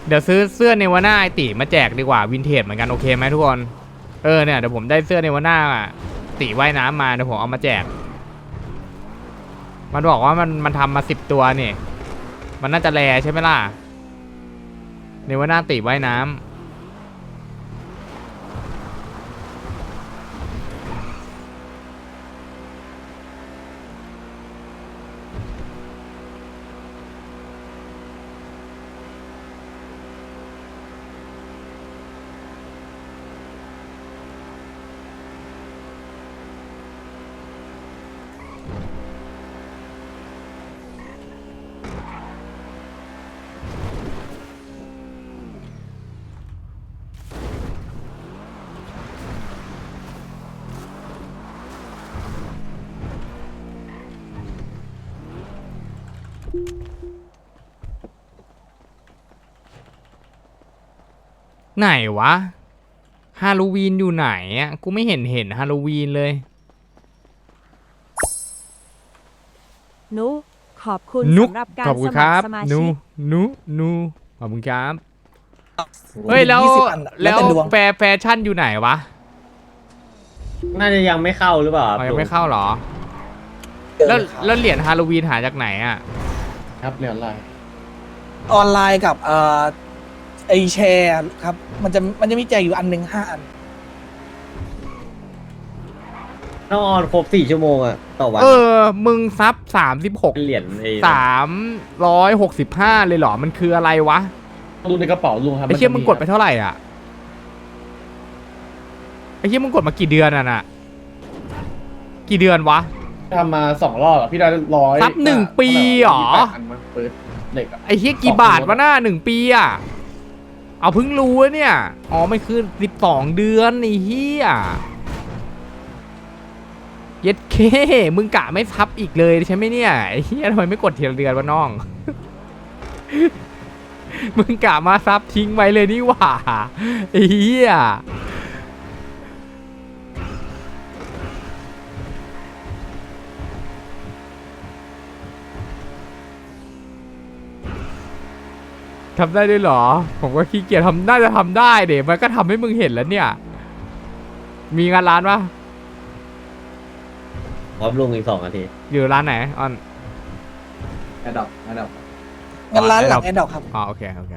เดี๋ยวซื้อเสื้อเนวาน่าไอติมาแจกดีกว่าวินเทจเหมือนกันโอเคไหมทุกคนเนี่ยเดี๋ยวผมได้เสื้อเนวาน่าติว่ายน้ำมาเดี๋ยวผมเอามาแจกมันบอกว่ามันทำมา10 ตัวนี่มันน่าจะแรใช่ไหมล่ะเนวาน่าติว่ายน้ำไหนวะฮาโลวีนอยู่ไหนอ่ะกูไม่เห็นฮาโลวีนเลยนุขอบคุณนุกสำหรับกาขรอบคุสณคมัครัรบสมานูชิกนูขอบคุณครับเฮ้ยแล้ว 20 อันอะแล้วแต่ดวงแฟชั่นอยู่ไหนวะน่าจะยังไม่เข้าหรือเปล่าอ๋อยังไม่เข้าเหรอเจอแล้วเลยครับแล้วเหรียญฮาโลวีนหาจากไหนอ่ะครับเหรียญอะไรออนไลน์กับไอแชร์ครับมันจะมีแจกอยู่อันหนึ่ง5 อันต้องออนครบ4 ชั่วโมงอะต่อวันมึงซับ36 เป็นเหรียญ 365เลยเหรอมันคืออะไรวะลุงในกระเป๋าลุงครับไอ้เชี่ยมึงกดไปเท่าไหร่อ่ะไอ้เชี่ยมึงกดมากี่เดือนอ่ะน่ะกี่เดือนวะทำมา2 รอบอะพี่ได้100 ซับ1 ปีเหรออันมันเปิดเหล็กอะไอ้เชี่ยกี่บาทวะหน้า1 ปีอ่ะเอาเพิ่งรู้วะเนี่ยอ๋อมันคือ12 เดือนไอ้เหี้ยเย็ดเคมึงกะไม่ซับอีกเลยใช่ไหมเนี่ยไอ้เหี้ยทำไมไม่กดทีละเดือนวะน้อง มึงกะมาซับทิ้งไว้เลยนี่หว่าไอ้เหี้ยทำได้ด้วยเหรอ ผมก็ขี้เกียจทำน่าจะทำได้เดี๋ยวมันก็ทำให้มึงเห็นแล้วเนี่ย มีงานร้านปะพร้อมลุงอีก2 นาทีอยู่ร้านไหนออนแอดดับงั้นร้านหลังแอดดอกครับอ๋อโอเคโอเค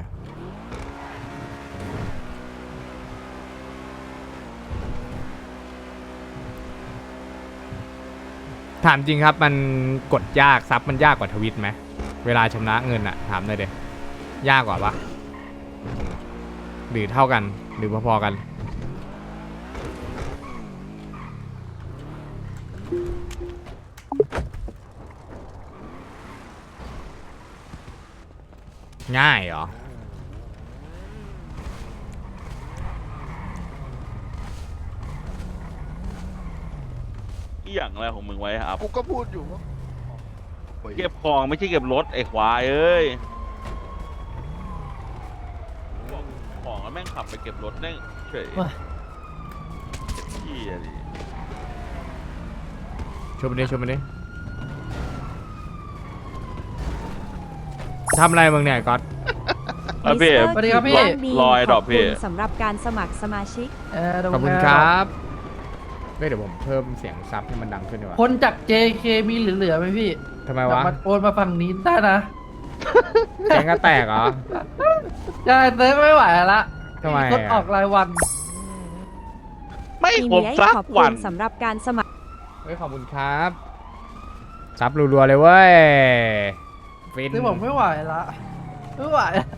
ถามจริงครับมันกดยากซับมันยากกว่าทวิตไหมเวลาชำระเงินอะถามหน่อยเดี๋ย ยากกว่าปะหรือเท่ากันหรือพอๆกันง่ายเหรออีหยังอะไรของมึงไว้ครับกูก็พูดอยู่ว่าเก็บของไม่ใช่เก็บรถไอ้ควายเอ้ยของแล้วแม่งขับไปเก็บรถแม่งเฉยที่อะดิชมมันดิชมมันดิทำอะไรมึงเนี่ยก๊อตแล้วพี่มิสเตอร์สวัสดีครับพี่กิตติลอยดอกพี่ขบคุณสำหรับการสมัครสมาชิกขอบคุณครับเดี๋ยวผมเพิ่มเสียงซับให้มันดังขึ้นดีกว่าคนจาก JK มีเหลือๆไหมพี่ทำไมกลับวะมาโอนมาฝั่งนี้ได้นะแกงก็แตกเหรอใช่เซิร์ฟไม่ไหวละทำไมรถออกรายวันไม่ทีผมนี้สักขอบคุวันณสำหรับการสมัครเฮ้ยขอบคุณครับซับรัวๆเลยเว้ยฟินซึ่งผมไม่ไหวละไม่ไหวละ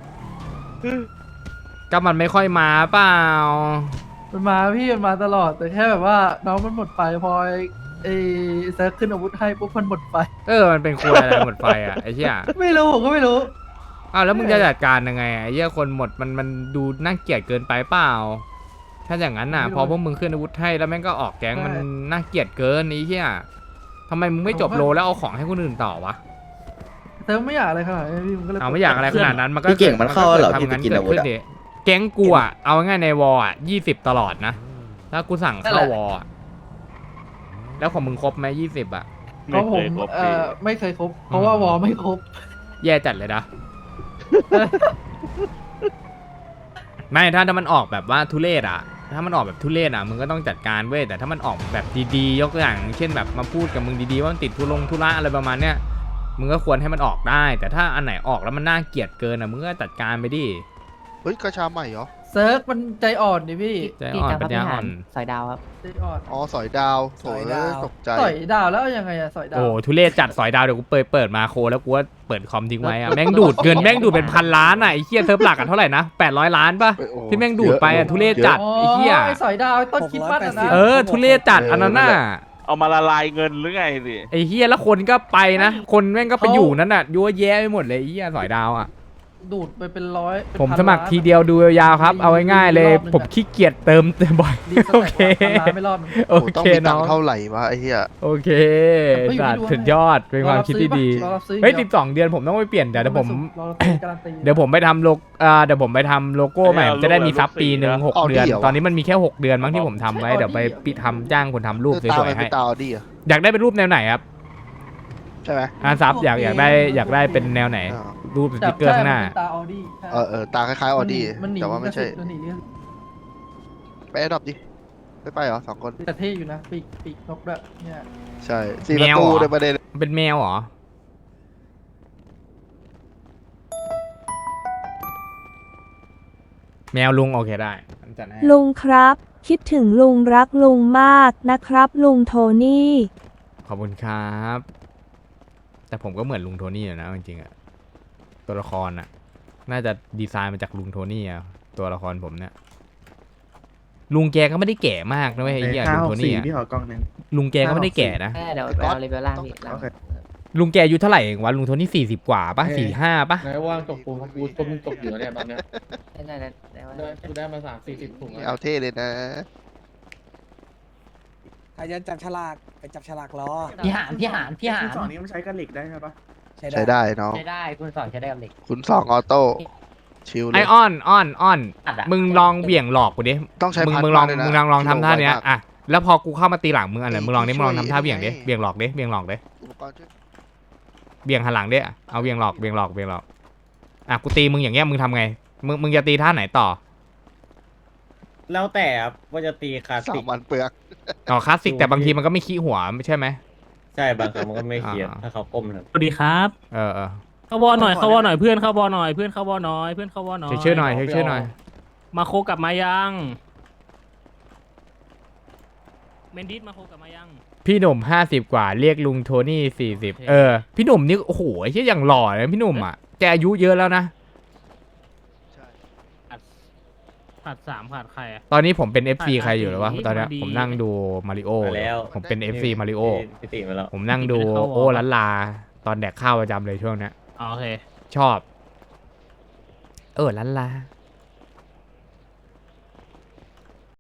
ก็มันไม่ค่อยมาเปล่ามันมาพี่มันมาตลอดแต่แค่แบบว่าน้องมันหมดไฟพอไอ้เซิร์ฟขึ้นอาวุธให้ปุ๊บมันหมดไฟมันเป็นครัวอะไรหมดไฟอ่ะไอ้เหี้ยไม่รู้ผมก็ไม่รู้อ้าวแล้วมึงจะจัดการยังไงไอ้เหี้ยคนหมดมันดูน่าเกลียดเกินไปเปล่า ถ้าอย่างนั้นน่ะไม่รู้พอพวกมึงขึ้นอาวุธให้แล้วแม่งก็ออกแก๊งใช่มันน่าเกลียดเกินไอ้เหี้ยทำไมมึงไม่จบผมว่าโลแล้วเอาของให้คนอื่นต่อวะเซิร์ฟไม่อยากอะไรขนาดนี้พี่มันก็เลยเอาไม่อยากอะไรขนาดนั้นมันก็พี่เก่งมันเข้าเหรอทำพี่งั้จะนกินเกิอาดวุธขึ้นอะดิแก๊งกูอ่ะเอาง่ายในวอลอ่ะ20ตลอดนะถ้ากูสั่งเข้าวอลอะแล้วของมึงครบไหม20อ่ะเพราะผมไคยคบพี่ไม่เคยครบเพราะว่าวอลไม่ครบแย่จัดเลยนะไม่ถ้ามันออกแบบว่าทุเรศอ่ะถ้ามันออกแบบทุเรศอ่ะมึงก็ต้องจัดการเว้ยแต่ถ้ามันออกแบบดีๆยกตัวอย่างเช่นแบบมาพูดกับมึงดีๆว่ามันติดธุระอะไรประมาณเนี้ยมึงก็ควรให้มันออกได้ แต่ถ้าอันไหนออกแล้วมันน่าเกลียดเกินอ่ะมึงก็จัดการไปดิเฮ้ยกระชาใหม่เหรอเซิร์กมันใจอ่อนดิพี่ใจอ่อนปัญญาอ่อนสายดาวครับใจอ่อนอ๋อสอยดาวโถเอ้ยตกใจสอยดาวแล้วยังไงอะสอยดาวโอ้ทุเรศจัดสอยดาวเดี๋ยวกูเปิดมาโคแล้วกูว่าเปิดคอมทิ้งไว้อะแม่งดูดเงินแม่งดูดเป็นพันล้านอ่ะไอ้เหี้ยเซิร์ฟหลักกันเท่าไหร่นะ800 ล้านป่ะเอ้ยโอ้ที่แม่งดูดไปอ่ะทุเรศจัดอ๋อไอ้เหี้ยไอ้สอยดาวไอ้ต้นคิดปั้นอะนะเออทุเรศจัดอันนั้นน่ะเอามาละลายเงินหรือไงสิไอ้เฮียแล้วคนก็ไปนะ คนแม่งก็ไปอยู่นั้นน่ะยั่วแย่ไปหมดเลยไอ้เฮียสอยดาวอ่ะดูดไปเป็นร้อยเป็นผมพันสมัครล้านทีเดียวดูยาวๆครับ เอาง่ายๆเลยรอบหนึ่งอะผมขี้เกียจเติมบ่อยรีสโอแต็กเคว่าพันล้านไม่รอดมันโอโอ้ต้องเคมีตัน้งองค์เท่าไหร่วะไอ้เหี้ยโอเคแต่ก็อยู่สัที่ตดว์วงสุดยอดเป็นความคิดที่ดีรอรับซื้อเฮ้ยอีก 12 เดือนผมต้องไปเปลี่ยนเดี๋ยวผมรอรับซื้อการันตีเดี๋ยวผมไปทำเดี๋ยวผมไปทำโลโก้ใหม่จะได้มีซับปีหนึ่ง6 เดือน ตอนนี้มันมีแค่6 เดือนมั้งที่ผมทำไว้เดี๋ยวไปปิดทำจ้างคนทำรูปสตาวยมันๆเป็ให้นตาออดี้เหรออยากได้เป็นรูปแนวไหนครับใช่ไหมซับอยากได้เป็นแนวไหนอ่ารูปสติ๊กเกอร์ข้างหน้าใช่มันเป็นตาออดี้ตาคล้ายๆออดี้มันหนีแต่ว่าไม่ใช่มันหนีไปแอดดอปดิไปเหรอ2 คนแต่เท่อยู่นะปีกนกด้วยเนี่ยใช่4 แมประวตูเหรอในประเด็นเป็นแมวเหรอ แมวลุงโอเคได้จัดให้ลุงครับ คิดถึงลุงรักลุงมากนะครับ ลุงโทนี่ขอบคุณครับ แต่ผมก็เหมือนลุงโทนี่อยู่นะจริงๆอะตัวละครอะน่าจะดีไซน์มาจากลุงโทนี่อะตัวละครผมเนี่ยลุงแกก็ไม่ได้แก่มากนะเว้ยไอ้เหี้ยลุงโทนี่อะลุงแกก็ไม่ได้แก่นะเดี๋ยวไปเอาเลเวลล่างพี่ล่างลุงแกอายุเท่าไหร่เองวะลุงโทนี่40 กว่าปะ45ปะไหนว่างตกปูกูต้มตกอยู่เนี่ยตอนเนี้ยได้ได้ได้กูได้มา30-40ถุงแล้วเอาเท่เลยนะใครจะจับฉลากไปจับฉลากรอพี่หานสองนี้มันใช้กันเหล็กได้ไหมปะใช้ใช้ได้ได้น้องใช้ได้คุณสอนใช้ได้กับเหล็กคุณ2ออโต้ชิลเลไอย อ้อนอัดอะมึงลองเบี่ยงหลอกกูดิต้องใช้มึงลองพัดมากเลยนะมึงลองทำท่าเนี้ยกิโลไวมากอ่ะแล้วพอกูเข้ามาตีหลังมึงอะไรมึงลองดิมึงลองช่วยทำท่าเบี่ยงดิไงเบี่ยงหลอกดิเบี่ยงหลอกดิอุปกรณ์ช่วยเบี่ยงหันหลังดิเอาเบี่ยงหลอกอ่ะกูตีมึงอย่างเงี้ยมึงทำไงมึงจะตีท่าไหนต่อแล้วแต่ครับว่าจะตีคลาสสิก 3 วันเปลือกอ๋อคลาสสิกแต่บางทีมันก็ไม่ขี้หัวไม่ใช่ไหมใช่บางครั้งมันก็ไม่เครียดอ่าถ้าเขาก้มครับสวัสดีครับเออเข้าวอหน่อยเข้าวอหน่อยเพื่อนเข้าวอหน่อยเพื่อนเข้าวอหน่อยเพื่อนเข้าวอหน่อยเช็คชื่อหน่อยเช็คชื่อหน่อยมาโคกลับมายังเมนดิสมาโคกลับมายังพี่หนุ่ม50 กว่าเรียกลุงโทนี่40พี่หนุ่มนี่โอ้โหไอ้เหี้ยอย่างหล่อเลยพี่หนุ่มอ่ะแกอายุเยอะแล้วนะใช่ขาด3ขาดใครอะตอนนี้ผมเป็น FC ใครอยู่หรอวะนี่ตอนเนี้ยมาดีผมนั่งดูมาริโอมาแล้วผมเป็น FC มาริโอพี่ติมาแล้วผมนั่งดูเข้าวอโอ้ลันลาตอนแดกข้าวประจำเลยช่วงเนี้ยอ๋อโอเคชอบ ลันลา